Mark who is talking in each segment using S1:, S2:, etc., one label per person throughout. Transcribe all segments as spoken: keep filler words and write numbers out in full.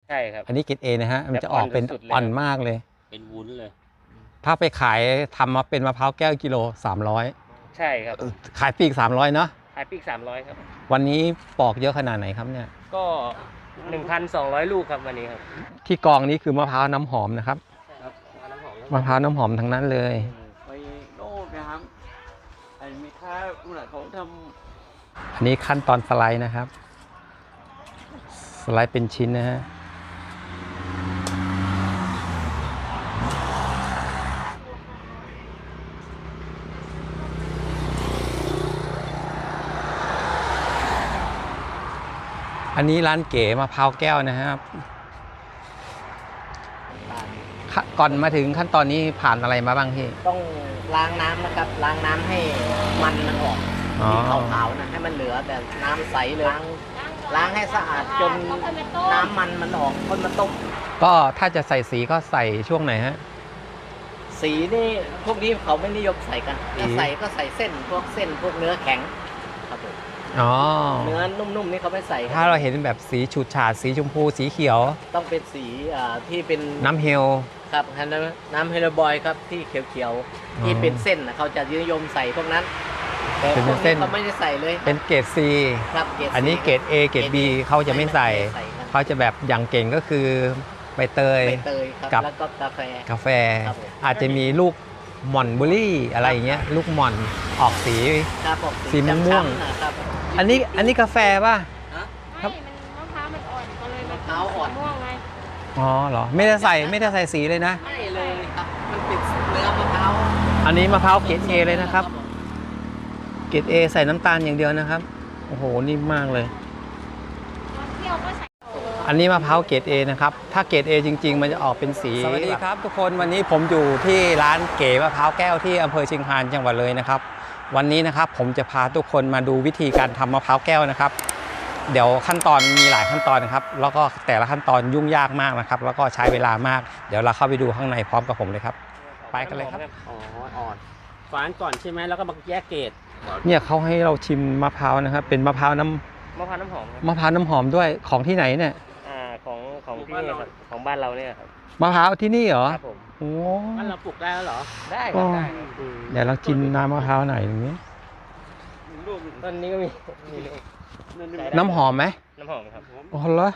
S1: ใช่ครับ
S2: อันนี้เกรดเอนะฮะมันจะออกเป็นอ่อนมากเลย
S1: เป็นวุ้นเลย
S2: ถ้าไปขายทำมาเป็นมะพร้าวแก้วกิโลสามร้อย
S1: ใช่ครับ
S2: ขายปีกสามร้อยเนาะ
S1: ขายปีกสามร้อยครับ
S2: วันนี้ปอกเยอะขนาดไหนครับเนี่ย
S1: ก็หนึ่งพันสองร้อยลูกครับวันนี้ครับ
S2: ที่กองนี้คือมะพร้าวน้ำหอมนะครับมะพร้าวน้ำหอมทั้งนั้นเลย
S3: ไปโน่นนะครับไอ้มีค่าอุณหเขาทำ
S2: อันนี้ขั้นตอนสไลด์นะครับสไลด์เป็นชิ้นนะฮะอันนี้ร้านเก๋มะพร้าวแก้วนะครับก่อนมาถึงขั้นตอนนี้ผ่านอะไรมาบ้างพี่
S4: ต้องล้างน้ำนะครับล้างน้ำให้มันมันออกที่ขาวๆนะให้มันเหลือแต่น้ำใสเลยล้างล้างให้สะอาดจนน้ำมันมันออกคนมาต้ม
S2: ก็ถ้าจะใส่สีก็ใส่ช่วงไหนฮะ
S4: สีนี่พวกนี้เขาไม่นิยมใส่กันถ้าใส่ก็ใส่เส้นพวกเส้นพวกเนื้อแข็งครับผม
S2: อ๋อ
S4: เนื้อนุ่มๆนี่เขาไม่ใส่
S2: ถ้าเราเห็นแบบสีฉูดฉาดสีชมพูสีเขียว
S4: ต้องเป็นสีที่เป็น
S2: น้ำเฮล
S4: ครับน้ำเฮลบอยครับที่เขียวๆที่เป็นเส้นเขาจะนิยมใส่พวกนั้นแต่พวกนี้เขาไม่ได้ใส่เลย
S2: เป็นเกรด C
S4: ครับเกรด
S2: อันนี้เกรด A เกรด B เขาจะไม่ใส่เขาจะแบบอย่างเก่งก็คือใบเตย
S4: กับแล้วก็กาแฟ
S2: กาแฟอาจจะมีลูกหม่อนบุรี่อะไรอย่างเงี้ยลูกหม่อนออกสีสีม่วงๆอันนี้อันนี้กาแฟป่ะ
S5: ครับมะพร้าวมันอ่อนก็เลยมะพร้าวอ่อนม่วงไง
S2: อ๋อเหรอไม่ได้ใส่ไม่ได้ใส่สีเลยนะ
S4: ไม่เลยครับมันเป็นเนื้อมะพร้าว
S2: อันนี้มะพร้าวเกรด A เลยนะครับเกรด A ใส่น้ำตาลอย่างเดียวนะครับโอ้โหนิ่มมากเลยอันนี้มะพร้าวเกรด A นะครับถ้าเกรด A จริงๆมันจะออกเป็นสีสวัสดีครับทุกคนวันนี้ผมอยู่ที่ร้านเก๋มะพร้าวแก้วที่อำเภอเชียงคานจังหวัดเลยนะครับวันนี้นะครับผมจะพาทุกคนมาดูวิธีการทำมะพร้าวแก้วนะครับเดี๋ยวขั้นตอนมีหลายขั้นตอนนะครับแล้วก็แต่ละขั้นตอนยุ่งยากมากนะครับแล้วก็ใช้เวลามากเดี๋ยวเราเข้าไปดูข้างในพร้อมกับผมเลยครับไปกันเลยครับ
S1: อ๋ออ่อนฝานก่อนใช่ไหมแล้วก็มาแยกเกรด
S2: เนี่ยเขาให้เราชิมมะพร้าวนะครับเป็นมะพร้าวน้ำ
S1: มะพร้าวน้ำหอม
S2: มะพร้าวน้ำหอมด้วยของที่ไหนเนี่ย
S1: อ่าของของที่นี่ครับของบ้านเราเนี่ยครับ
S2: มะพร้าวที่นี่เหรอ
S1: ครับผม
S2: โอ้
S1: บ้านเราปลูกได้แล้วเหรอได้ครับได้
S2: เดี๋ยวเรากินน้ำมะพร้าวหน่อยอย่างนี้
S1: ต้นนี้ก็มี
S2: น้ำหอมไหม
S1: น้ำหอมครับ
S2: อ๋อเหรอ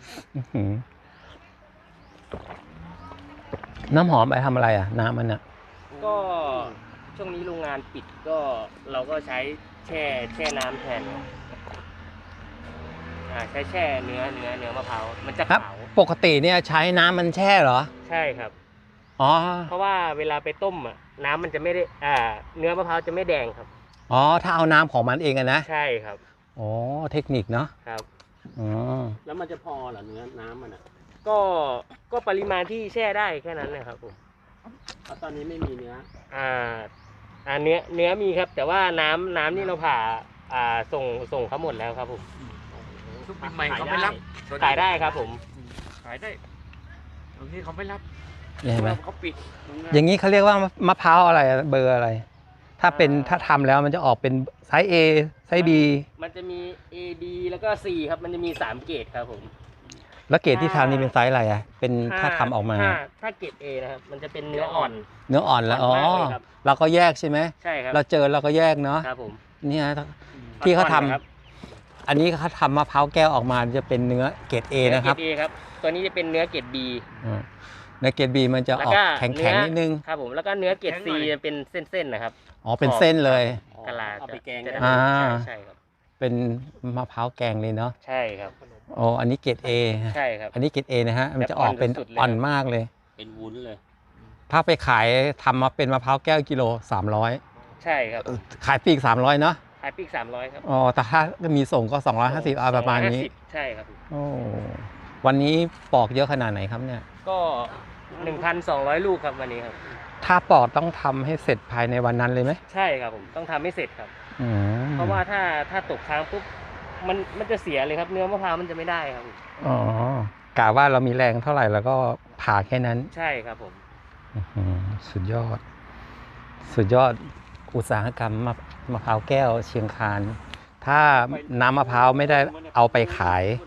S2: น้ำหอมไปทำอะไรอ่ะน้ำมันอ่ะ
S1: ก็ช่วงนี้โรงงานปิดก็เราก็ใช้แช่แช่น้ำแทนอ่าใช้แช่เนื้อเนื้อเนื้อมะพร้าวมันจะขาว
S2: ปกติเนี่ยใช้น้ำมันแช่เหรอ
S1: ใช่ครับ
S2: อ๋อ
S1: เพราะว่าเวลาไปต้มอ่ะน้ำมันจะไม่ได้อ่าเนื้อมะพร้าวจะไม่แดงครับ
S2: อ๋อถ้าเอาน้ำของมันเองอะนะ
S1: ใช่ครับ
S2: อ๋อเทคนิคเนาะ
S1: ครับ
S2: อ๋อ
S1: แล้วมันจะพอเหรอเนื้อน้ำมันอ่ะก็ก็ปริมาณที่แช่ได้แค่นั้นเลยครับผมตอนนี้ไม่มีเนื้ออ่าอ่าเนื้อเนื้อมีครับแต่ว่าน้ำน้ำนี่เราผ่าอ่าส่งส่งเขาหมดแล้วครับผม
S3: ทุกปีใหม่เขาไม่รับ
S1: ขายได้ครับผม
S3: ขายได้บางทีเขาไม่รับ
S2: เห็นไหม
S3: เขาปิด
S2: อย่างนี้เขาเรียกว่ามะพร้าวอะไรเบอร์อะไรถ้าเป็นถ้าทำแล้วมันจะออกเป็นไซส์ A ไซส์ B
S1: มันจะมี A B แล้วก็ C ครับมันจะมีสามเกรดครับผม
S2: แล้วเกรดที่ทำนี่เป็นไซส์อะไรอ่ะเป็นถ้าทำออกมา
S1: ถ้าเกรด A นะครับมันจะเป็นเนื้ออ่อน
S2: เนื้ออ่อนแล้วอ๋อเราก็แยกใช่ไหม
S1: ใช่ครับ
S2: เราเจอเราก็แยกเนาะ
S1: ครับผม
S2: เนี่ยที่เขาทำอันนี้เขาทำมะพร้าวแก้วออกมาจะเป็นเนื้อเกรด A นะครับ
S1: เกรด A ครับตัวนี้จะเป็นเนื้อเกรด B
S2: เนื้อเกรด B มันจะออกแข็งๆนิดนึง
S1: ครับผมแล้วก็เนื้อเกรด C จะเป็นเส้นๆนะครับ
S2: อ๋อเป็นเส้นเลย
S1: กะลาเอาไปแกง
S2: อ่า
S1: ใช่ครับ
S2: เป็นมะพร้าวแกงเลยเนาะ
S1: ใช่ครับ
S2: โอ้อันนี้เกรด A
S1: ใช่ครับ
S2: อันนี้เกรด A นะฮะมันจะออกเป็นอ่อนมากเลย
S1: เป็นวุ้นเลย
S2: ถ้าไปขายทำมาเป็นมะพร้าวแก้วกิโลสามร้อย
S1: ใช่ครับ
S2: ขายปีกสามร้อยเนาะ
S1: ขายปีกสามร้อยครับ
S2: อ๋อแต่ถ้ามีส่งก็สองร้อยห้าสิบประมาณนี้
S1: ใช่ครับ
S2: โอ้วันนี้ปอกเยอะขนาดไหนครับเนี่ย
S1: ก็หนึ่งพันสองร้อยลูกครับวันนี้ครับ
S2: ถ้าปอกต้องทำให้เสร็จภายในวันนั้นเลยไหม
S1: ใช่ครับผมต้องทำให้เสร็จครับเพราะว่าถ้าถ้าตกค้างปุ๊บมันมันจะเสียเลยครับเนื้อมะพร้าวมันจะไม่ได้ครับ
S2: อ๋อกะว่าเรามีแรงเท่าไหร่แล้วก็ผ่าแค่นั้น
S1: ใช่ครับผม
S2: สุดยอดสุดยอดอุตสาหกรรมมะพร้าวแก้วเชียงคานถ้าน้ำมะพร้าวไม่ได้เอาไปขาย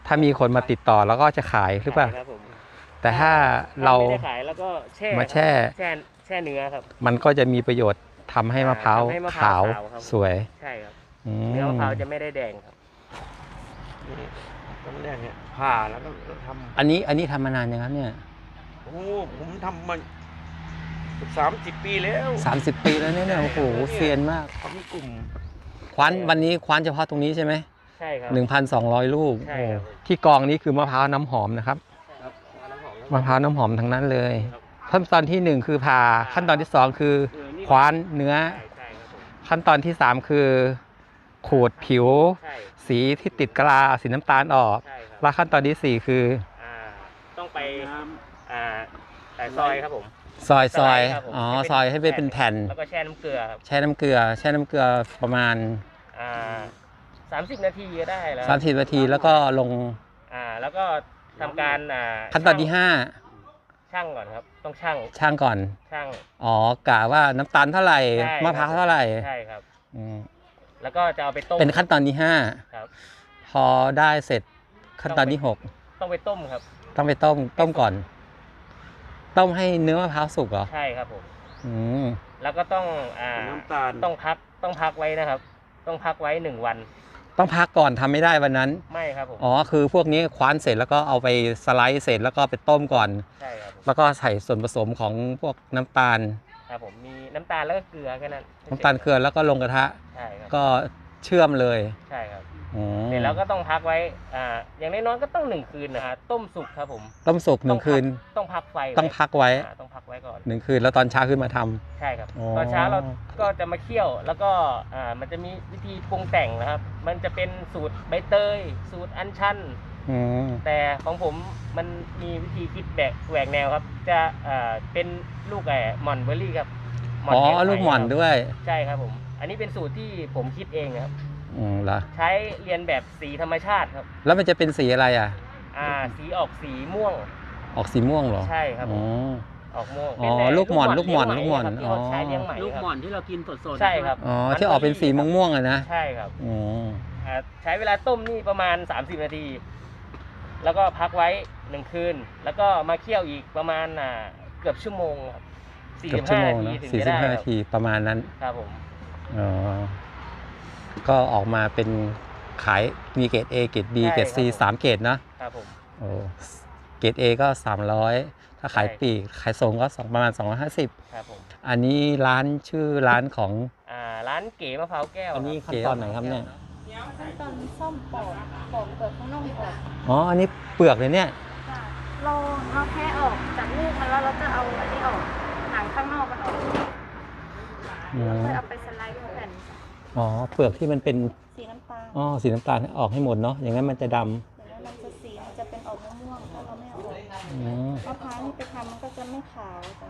S2: ถ้ามีคนมาติดต่อแล้วก็จะขายหรือเปล่า
S1: ขยครับผม
S2: แต่ถ้าเรา
S1: ไม่ได้ขายแล้วก็แช่
S2: มาแช่
S1: แช่แช่เนื้อครับ
S2: มันก็จะมีประโยชน์ทำให้มะพร้าว
S1: ทำให้มะพร้า
S2: ขาว ว
S1: ขาวครับ
S2: สวย
S1: ใช่ครับ
S2: อื
S1: เนื้อมะพร้าว
S2: ม
S1: จะไม่ได้แดงครับ
S3: นี่ตอนแรกเนี่ยผ่าแล้วก็ทำ
S2: อันนี้อันนี้ทำมานานยังครับเนี่ย
S3: โอ้ผมทำมาสามสิบปีแล้ว
S2: สามสิบปีแล้วเนี่ยโอ้โหเซียนมาก
S3: ทำกลุ่ม
S2: คว้านวันนี้คว้านเฉพาะตรงนี้ใช่ไหม
S1: ใช่ครับ
S2: หนึ่งพันสองร้อยลูก
S1: ใช่ครับ
S2: โอ้ที่กองนี้คือมะพร้าวน้ำหอมนะครับ
S1: ครับ
S2: มะพร้าวน้ำหอมทั้งนั้นเลย
S1: ครับ
S2: ขั้นตอนที่หนึ่งคือผ่าขั้นตอนที่สองคือ
S1: เออนี่
S2: คว้านเนื้อ
S1: ใช่ใช่ครับผม
S2: ขั้นตอนที่สามคือขูดผิว
S1: ใช่
S2: สีที่ติดกะลาสีน้ำตาลออก
S1: ใช่ครับ
S2: และขั้นตอนที่สี่คือ
S1: อ่าต้องไป
S3: น้
S1: อ่าแต่ซอยครับผม
S2: ซอยซอย
S1: สไลด์ครับผม
S2: อ๋อ
S1: ให้เป็น
S2: ซอยให้เป็นแผ่น
S1: แล้วก็แช่น้ำเกลือครับ
S2: แช่น้ำเกลือ แช่น้ำเกลือประมาณ
S1: อ่าสามสิบนาทีก็ได้แล้ว
S2: สามสิบนาทีแล้วก็ลง
S1: อ่าแล้วก็ทำการอ่า
S2: ขั้นตอนที่ห้า
S1: ช่างก่อนครับต้องช่าง
S2: ช่างก่อน
S1: ช่าง
S2: อ๋อกะว่าน้ำตาลเท่าไหร่
S1: ใช่
S2: มะพร้าวเท่าไหร่
S1: ใช่ครับ
S2: อืม
S1: แล้วก็จะเอาไปต้ม
S2: เป็นขั้นตอนที่ห้า
S1: ครับ
S2: พอได้เสร็จขั้นตอนที่หก
S1: ต้องไปต้มครับ
S2: ต้องไปต้มต้มก่อน ต้มให้เนื้อมะพร้าวสุกเหรอ
S1: ใช่ครับผม
S2: อืม
S1: แล้วก็ต้องอ่า
S3: ำน้ำตาล
S1: ต้องพักต้องพักไว้นะครับ ต้องพักไว้หนึ่งวัน
S2: ต้องพักก่อนทำไม่ได้วันนั้น
S1: ไม่ครับผม
S2: อ๋อคือพวกนี้คว้านเสร็จแล้วก็เอาไปสไลด์เสร็จแล้วก็ไปต้มก่อน
S1: ใช่ครับผม
S2: แล้วก็ใส่ส่วนผสมของพวกน้ำตาล
S1: ครับผมมีน้ำตาลแล้วก็เกลือแค่นั้น
S2: น้ำตาลเกลือแล้วก็ลงกระทะ
S1: ใช่ครับ
S2: ก็เชื่อมเลย
S1: ใช่ครับ
S2: อืม
S1: เสร็จแล้วก็ต้องพักไว้อ่าอย่างน้อยๆก็ต้องหนึ่งคืนนะฮะต้มสุกครับผม
S2: ต้มสุกหนึ่งคืน
S1: ต้องพักไฟไว้
S2: ต้องพักไว้
S1: อ่าต้องพักไว้ก่อน
S2: หนึ่งคืนแล้วตอนเช้าขึ้นมาทำ
S1: ใช่ครับ
S2: อ๋อ
S1: ตอนเช้าเราก็จะมาเคี่ยวแล้วก็อ่ามันจะมีวิธีปรุงแต่งนะครับ มันจะเป็นสูตรใบเตย สูตรอัญชัน
S2: อืม
S1: แต่ของผมมันมีวิธีคิดแบกแหวกแนวครับ จะอ่าเป็นลูกไอ้หม่อนเบอร์รี่ครับ
S2: อ๋อ
S1: แกงไทย
S2: ลูกหม่อน
S1: ครับ
S2: ด้วย
S1: ใช่ครับผม อันนี้เป็นสูตรที่ผมคิดเองครับ
S2: อืมเหรอ
S1: ใช้เรียนแบบสีธรรมชาติครับ
S2: แล้วมันจะเป็นสีอะไรอ่ะ
S1: อ่าสีออกสีม่วง
S2: ออกสีม่วงเหรอ
S1: ใช่ครับผ
S2: อ๋
S1: ม
S2: อ
S1: ออกม่วง
S2: อ๋อ
S1: เป็น
S2: ลูกหม่อน
S1: เ
S2: ลูกหม่อน
S1: เลี้ยง
S2: ลูกหม่อน
S1: ไหครับที่เขาใช้เลี้ยงไหม
S4: ลูก
S1: ครับ
S4: หม่อนที่เรากินสดๆ
S1: ใช่ครับ
S2: อ๋อที่ออกเป็นสีม่วงๆอะนะ
S1: ใช่ครับ
S2: อ๋อ
S1: อ่าใช้เวลาต้มนี่ประมาณ สามสิบ นาที แล้วก็พักไว้หนึ่งคืน แล้วก็มาเคี่ยวอีกประมาณอ่าเกือบชั่วโมงครับ
S2: เกือบชั่วโมง
S1: นา
S2: เน
S1: ที
S2: อะ
S1: ถึง
S2: สี่
S1: จะ
S2: สิบ
S1: ได้
S2: ห้า
S1: ค
S2: นา
S1: รับ
S2: ทีประมาณนั้น
S1: ครับผม
S2: อ๋อ ก็ออกมาเป็นขายมีเกรด A เกรด B เกรด C สามเกรดนะครับ
S1: ผม
S2: โอ้เกรด A ก็สามร้อยถ้าขายปลีกขายส่งก็สองประมาณสองร้อยห้าสิบ
S1: ครับผม
S2: อันนี้ร้านชื่อร้านของ
S1: อ่าร้านเก๋มะพร้าวแก้ว
S2: อันนี้
S1: ครับ
S2: ขั้นตอนไหนครับเนี่ย
S5: ขั้นตอนซ่อมปอกปอกเปลือกข้างนอกออก
S2: อ๋อ อันนี้เปลือกเลยเนี่ย
S5: จ้ะเราเราแค่ออกจากลูกมันแล้วเราจะเอาอันนี้ออกหางข้างนอกมันออก
S2: อื
S5: แล้ว
S2: ม
S5: ค่อยเอาไปสไลด์เป็นแผ่น
S2: อ๋อ เปลือกที่มันเป็น
S5: สีน้ำตาล
S2: อ๋อ สีน้ำตาลออกให้หมดเนาะ อย่างนั้นมันจะดำ
S5: อย่างนั้นมันจะสีมันจะเป็นออกม่วงๆถ้าเราไม่เอาออก
S2: อืม
S5: มะพร้าวนี่ไปทำมันก็จะไม่ขาวจ้ะ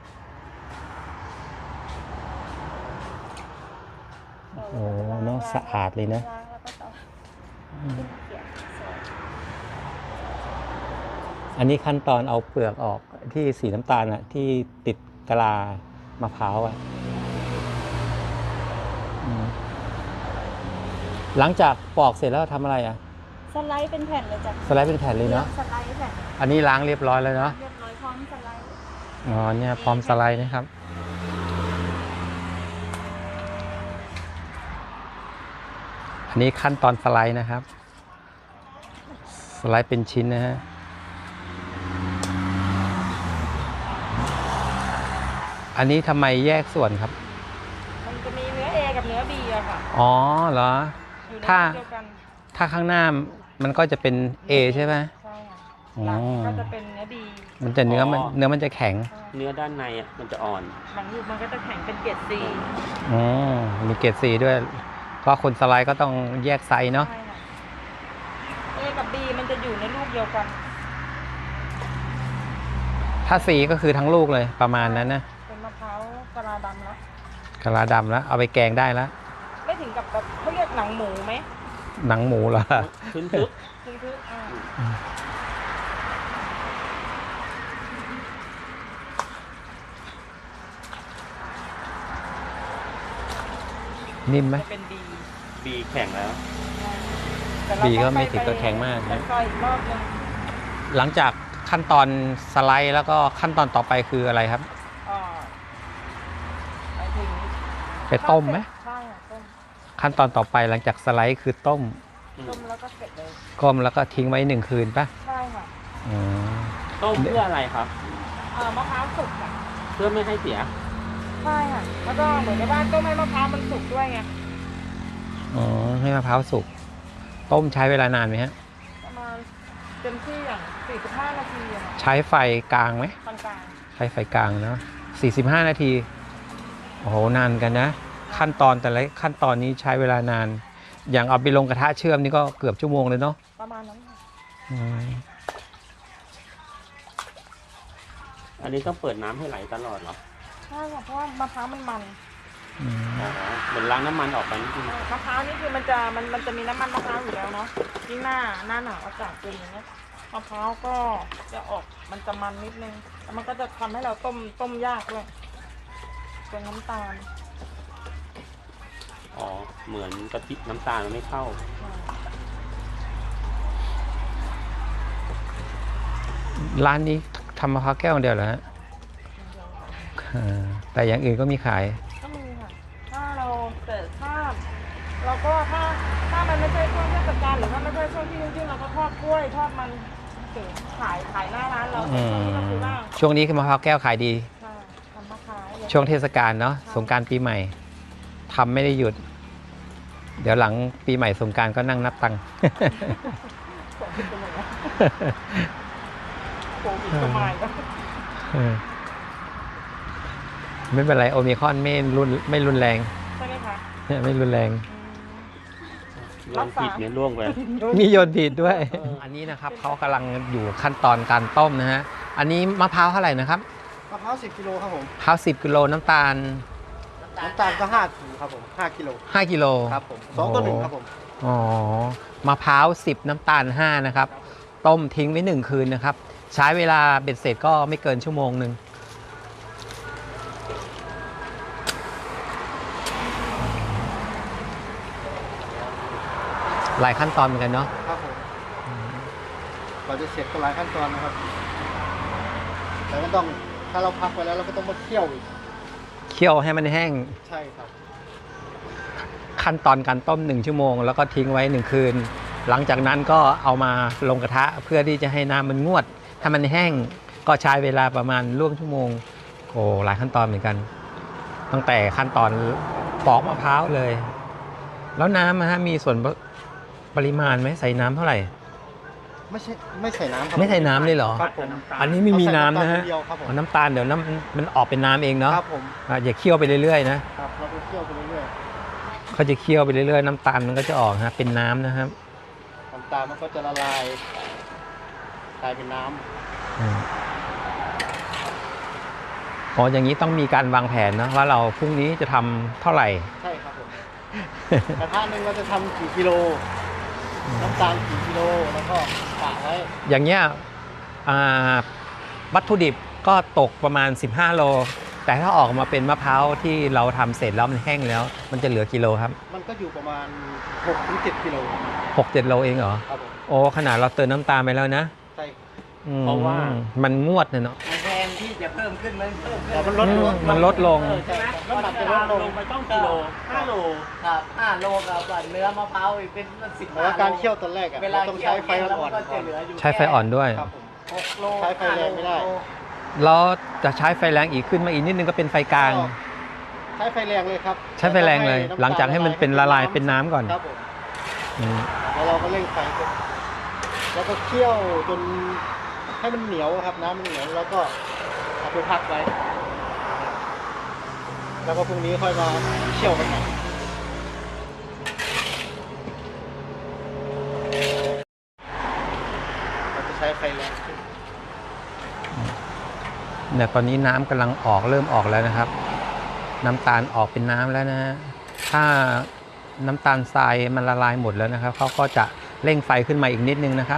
S2: โอ้เนาะสะอาดเลยนะ
S5: ล้างแล้วก็ต้องขึ้นเขียนสวย
S2: อันนี้ขั้นตอนเอาเปลือกออกที่สีน้ำตาลอะที่ติดกะลามะพร้าวอะอืมหลังจากปอกเสร็จแล้วทำอะไรอะ
S5: สไลด์เป็นแผ่นเลยจ้ะ
S2: สไลด์เป็นแผ่นเลยเนาะ
S5: สไลด์แผ่น
S2: อันนี้ล้างเรียบร้อยแล้วเนาะ
S5: เรียบร้อยพร้อมสไลด์
S2: อ๋อเนี่ยพร้อมสไลด์นะครับ อันนี้ขั้นตอนสไลด์นะครับ สไลด์เป็นชิ้นนะฮะ อันนี้ทำไมแยกส่วนครับ
S6: มันจะมีเนื้อ A กับเนื้อ B อะค่ะ
S2: อ๋อเหรอ
S6: อยู่ใน
S2: ถ้า
S6: เดียวกัน
S2: ถ้าข้างหน้ามันก็จะเป็น A ใช่ไหม
S6: ใช่ค่ะ
S2: อ๋อ
S6: หลังก็จะเป็นเนื้อ B
S2: มันจะเนื้อมันเนื้อมันจะแข็ง
S6: ใช่
S3: เนื้อด้านในอ่ะมันจะอ่อน
S6: หลังลูกมันก็จะแข็งเป็นเกรด C
S2: อ๋อมีเกรดสีด้วย ก็คนสไลด์ก็ต้องแยกไซส์เนาะ
S6: ใช่ค่ะ A กับ B มันจะอยู่ในลูกเดียวกัน
S2: ถ้าสีก็คือทั้งลูกเลยประมาณนั้นนะ
S6: เป็นมะพร้าวกะลาดำแล้ว
S2: กะลาดำแล้ว เอาไปแกงได้แล้ว
S6: ไม่ถึงกับแบบเขาเรียกหนังหมูไหม
S2: หนังหมูเหรอ
S3: ทึนทึก
S6: คือคืออ่า
S2: นิ่มไหม
S6: จะเป็น B
S3: บีแข็งแล้ว
S6: แต่เรา
S2: บีก็
S6: ต้อง
S2: ไม่
S6: ป
S2: ถึงกับแข็งมาก
S6: ไป
S2: นะ
S6: ซอยอีกรอบนึง
S2: หลังจากขั้นตอนสไลด์แล้วก็ขั้นตอนต่อไปคืออะไรครับ
S6: อ่าไปถึง
S2: ไปต้มไหม
S6: ใช่ค่ะต้ม
S2: ขั้นตอนต่อไปหลังจากสไลด์คือต้ม
S6: ต้มแล้วก็เสร็จเลย
S2: ก้มแล้วก็ทิ้งไว้หนึ่งคืนป่ะ
S6: ใช่ค่ะ
S2: อืม
S1: ต้มเพื่ออะไรครับ
S6: อ่ามะพร้าวสุกอ่ะ
S1: เพื่อไม่ให้เสีย
S6: ใช่ค่ะแล้วก็เหมือนกับว่าต้มให้มะพร้าวมันสุกด้วยไง
S2: อ๋อให้มะพร้าวสุกต้มใช้เวลานานไหมฮะ
S6: ประมาณเต็มที่อย่างสี่สิบห้านาทีอะค่ะ
S2: ใช้ไฟกลางไหม
S6: ปานกลาง
S2: ใช้ไฟกลางเนาะสี่สิบห้านาทีโอ้โหนานกันนะ ขั้นตอนแต่ละขั้นตอนนี้ใช้เวลานาน อย่างเอาไปลงกระทะเชื่อมนี่ก็เกือบชั่วโมงเลยเนาะ
S6: ประมาณนั้นค่ะ
S2: อืม
S1: อันนี้ต้องเปิดน้ำให้ไหลตลอดเหรอ
S6: ใช่ค่ะเพราะว่ามะพร้าวมันมัน
S2: อืม
S1: อ๋อเหมือนล้างน้ำมันออกไปนิดนึง
S6: มะพร้าวนี่คือมันจะมันมันจะมีน้ำมันมะพร้าวอยู่แล้วเนาะยิ่งหน้าหน้าหนาวอากาศเป็นอย่างเงี้ยมะพร้าวก็จะออกมันจะมันนิดนึงแล้วมันก็จะทำให้เราต้มต้มยากด้วยเป็นน้ำตาล
S1: อ๋อ เหมือนกะทิน้ำตาลมันไม่เข้า
S2: ร้านนี้ทำมะพร้าวแก้วเดียวเหรอฮะอ่าแต่อย่างอื่นก็มีขาย
S6: ก็มีค่ะถ้าเราแต่ถ้าเราก็ถ้าถ้ามันไม่ใช่ช่วงเทศกาลหรือถ้าไม่ใช่ช่วงที่จริงๆเราก็ทอดกล้วยทอดมันถึงขายขายหน้าร้านเรา
S2: อื
S6: ที่เราซื้อ
S2: ม
S6: บ้าง
S2: ช่วงนี้คือมะพร้าวแก้วขายดี
S6: ค่ะทำมาขาย
S2: ช่วงเทศกาลเนาะสงกรานต์ปีใหม่ทำไม่ได้หยุด เดี๋ยวหลังปีใหม่สงกรานต์ก็นั่งนับตังค์
S6: ส่งขึ้นไปเลยนะโควิดก็มาอีกแล้ว
S2: เออไม่เป็นไรโอมิครอนไม่รุนไม่รุนแรง
S6: ใช่ไหมคะ
S2: ไม่รุนแรง
S6: อืม
S1: โยนผิดเนี่ยล่วงไป
S2: มีโยนผิดด้วย อันนี้นะครับเขากำลังอยู่ขั้นตอนการต้มนะฮะอันนี้มะพร้าวเท่าไหร่นะครับ
S7: มะพร้าวสิบกิโลครับผม
S2: มะพร้าวสิบกิโลน้ำตาล
S7: น้ำตาลก็ห้าถุงครับผมห้ากิโล
S2: ห้ากิโล
S7: ครับผมสองต่อหนึ่งครับผม
S2: อ๋อมะพร้าวสิบน้ำตาลห้านะครับ ต้มทิ้งไว้หนึ่งคืนนะครับ ใช้เวลาเบ็ดเสร็จก็ไม่เกินชั่วโมงหนึ่งหลายขั้นตอนเหมือนกันเนาะ
S7: ครับผมกว่าจะเสร็จก็หลายขั้นตอนนะครับแต่ก็ต้องถ้าเราพักไว้แล้วเราก็ต้องมาเคี่ยวอีก
S2: เคี่ยวให้มันแห้ง
S7: ใช่ครับ
S2: ขั้นตอนการต้มหนึ่งชั่วโมงแล้วก็ทิ้งไว้หนึ่งคืน หลังจากนั้นก็เอามาลงกระทะเพื่อที่จะให้น้ำมันงวด ถ้ามันแห้งก็ใช้เวลาประมาณร่วมชั่วโมงโอ้หลายขั้นตอนเหมือนกัน ตั้งแต่ขั้นตอนปอกมะพร้าวเลย แล้วน้ำนะฮะมีส่วนปริมาณไหมใส่น้ำเท่าไหร่
S7: ไม่ใช่ไม่ใส่น้ำครับ
S2: ไม่ใส่น้ำเลยเหรอ
S7: ครับผม
S2: อันนี้ไม่มีน้ำนะฮะ
S7: เอาใส่ำตาลเดียวครับผม
S2: อ๋อน้ำตาลเดี๋ยวน้ำมันออกเป็นน้ำเองเนาะ
S7: ครับผม
S2: อ่ะอย่าเคี่ยวไปเรื่อยๆนะครับ
S7: เราไปเคี่ยวไปเรื่อย
S2: เขาจะเคี่ยวไปเรื่อยๆน้ำตาลมันก็จะออกฮะเป็นน้ำนะครับ
S7: ๆน้ำตาลมันก็จะละลายกลายเป็นน้ำ
S2: อืมอ๋ออย่างนี้ต้องมีการวางแผนนะว่าเราพรุ่งนี้จะทำเท่าไหร่
S7: ใช่ครับผมกระทะหนึ่งเราจะทำกี่กิโลน้ำตาลกี่กิโลแล้วก็กะไว้
S2: อย่างเงี้ยอ่าวัตถุดิบก็ตกประมาณสิบห้าโล แต่ถ้าออกมาเป็นมะพร้าวที่เราทำเสร็จแล้วมันแห้งแล้ว มันจะเหลือกิโลครับ
S7: มันก็อยู่ประมาณหกถึงเจ็ดกิโล
S2: หกเจ็ดโลเองเหรอ
S7: ครับผม
S2: โอ้ขนาดเราเติมน้ำตาลไปแล้วนะ
S7: ใช่
S2: อืม
S1: เพราะว่า
S2: มันงวดเนี่ยเนาะ
S4: มันแทนที่จะเพิ่มขึ้นมันเพิ่มขึ้
S7: แต่
S4: น
S7: มันลดลง
S2: อืมมันลดลง
S7: เออใช่น้ำหนักจะลดลง
S1: ลงไปต้องกิโลห้าโล
S4: ครับห้าโลกับเนื้อมะพร้าวอีกเป็นสิบ
S7: แต่ว่าการเคี่ยวตอนแรกอะ
S4: เวลา
S7: เราต้องใช้ไฟ
S4: เคี่ยว
S7: อ่อน
S4: แล้ว
S7: ๆ
S4: ก็
S7: ก่
S4: จะ
S7: อน
S4: เหลืออยู่
S2: ใช้ไฟอ่อนด้วย
S7: ครับผม
S4: หกโล
S7: ใช้ไฟแรงไม่ได้
S2: แล้วจะใช้ไฟแรงอีกขึ้นมาอีกนิดนึงก็เป็นไฟกลาง
S7: ใช้ไฟแรงเลยครับ
S2: ใช้ไฟแรงเลย
S7: แว
S2: หลังจากให้มันเป็นละลายเป็นน้ำก่อน
S7: ครับผม
S2: อืม
S7: แล้วเราก็เร่งไฟขึ้นแล้วก็เคี่ยวจนให้มันเหนียวครับน้ำมันเหนียวแล้วก็เอาไปพักไว้ แล้วก็พรุ่งนี้ค่อยมาเคี่ยวกันใหม่เราจะใช้ไฟแรงขึ้น
S2: เนี่ยตอนนี้น้ำกำลังออกเริ่มออกแล้วนะครับ น้ำตาลออกเป็นน้ำแล้วนะฮะถ้าน้ำตาลทรายมันละลายหมดแล้วนะครับเขาก็จะเร่งไฟขึ้นมาอีกนิดนึงนะครับ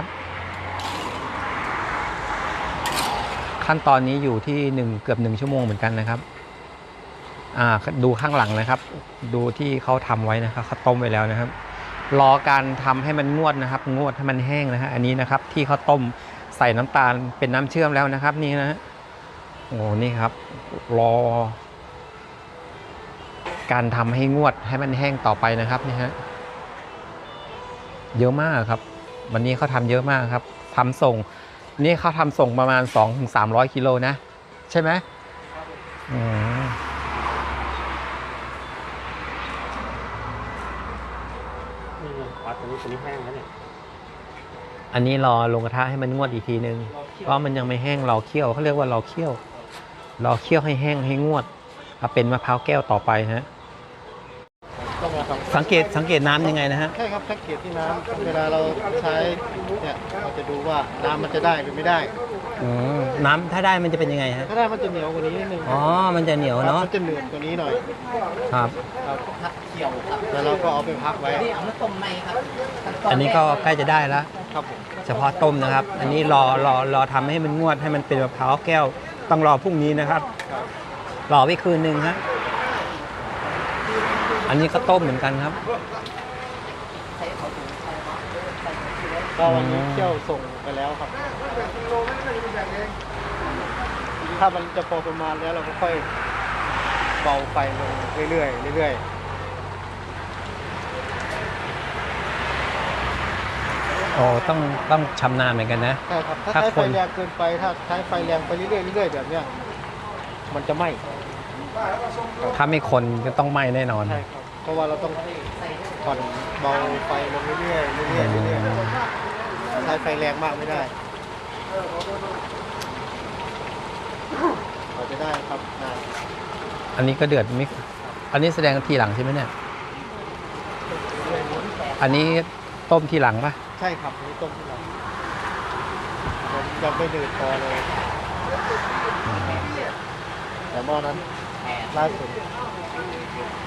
S2: ขั้นตอนนี้อยู่ที่หนึ่งเกือบหนึ่งชั่วโมงเหมือนกันนะครับอ่าดูข้างหลังนะครับ ดูที่เขาทำไว้นะครับเขาต้มไว้แล้วนะครับรอการทำให้มันงวดนะครับ งวดให้มันแห้งนะฮะอันนี้นะครับ ที่เขาต้มใส่น้ำตาลเป็นน้ำเชื่อมแล้วนะครับ นี่นะฮะโอ้นี่ครับ รอ การทำให้งวดให้มันแห้งต่อไปนะครับนี่ฮะเยอะมากครับ วันนี้เขาทำเยอะมากครับทำส่งนี่เขาทำส่งประมาณ สองถึงสามร้อย กิโลนะใช่ไหมอืม
S1: นี่อ๋อตัวนี้ตัวนี้แห้งแล้วเนี่ย
S2: อันนี้รอลงกระทะให้มันงวดอีกทีนึงเพราะมันยังไม่แห้งรอเคี่ยวเขาเรียกว่ารอเคี่ยวรอเคี่ยวให้แห้งให้งวดเอาเป็นมะพร้าวแก้วต่อไปฮะ
S7: ต้องมาท
S2: สังเกตสังเกตน้ำยังไงนะฮะ
S7: ำใช่ครับสังเกตที่น้ำเวลาเราใช้เนี่ยเราจะดูว่าน้ำมันจะได้หรือไม่ได้
S2: อืมน้ำถ้าได้มันจะเป็นยังไงฮะ
S7: ถ้าได้มันจะเหนียวกว่านี้นิดนึง
S2: อ๋อมันจะเหนียวเนาะ
S7: มันจะหนืดกว่านี้หน่อย
S2: ครับ
S7: ครับ
S4: ผักเขียวครับ
S7: แล้วเราก็เอาไปพักไว้
S4: นี่เอามาต้มในครับขั้ต
S2: อันนี้ก็ใกล้จะได้แล้ว
S7: ครับผม
S2: เฉพาะต้มนะครับ อันนี้รอรอรอทำให้มันงวดให้มันเป็นมะพร้าวแก้วต้องรอพรุ่งนี้นะครับ
S7: ครับ
S2: รอไว้คืนหนึ่งฮะอันนี้ก็ต้มเหมือนกันครับ
S7: ก็วันนี้เที่ยวส่งไปแล้วครับ ถ้ามันจะพอประมาณแล้วเราก็ค่อยเบาไฟลงเรื่อยๆเรื่อยๆ
S2: โอ้ต้องต้องชำนาญเหมือนกันนะ
S7: ใช่ครับ ถ้า
S2: ถ้า
S7: ใช้
S2: ค
S7: ไฟ
S2: น
S7: แรงเกินไป ถ้าใช้ไฟแรงไปเรื่อยๆเรื่อยๆแบบเนี้ยมันจะไหม้
S2: ถ้าไม่คนก็ต้องไหม้แน่นอน
S7: ใช่ครับ เพราะว่าเราต้องผ่อนเบาไฟลงเรื่อยๆเรื่อยๆเรื่อยๆใช้ไฟแรงมากไม่ได้เราจะได้ครับนาน
S2: อันนี้ก็เดือดมิกอันนี้แสดงทีหลังใช่ไหมเนี่ย อันนี้ต้มทีหลังปะ
S7: ใช่ครับนี่ต้มที่เราผมยังไม่ดื่มพอเลย แต่หม้อนั้นล่าสุด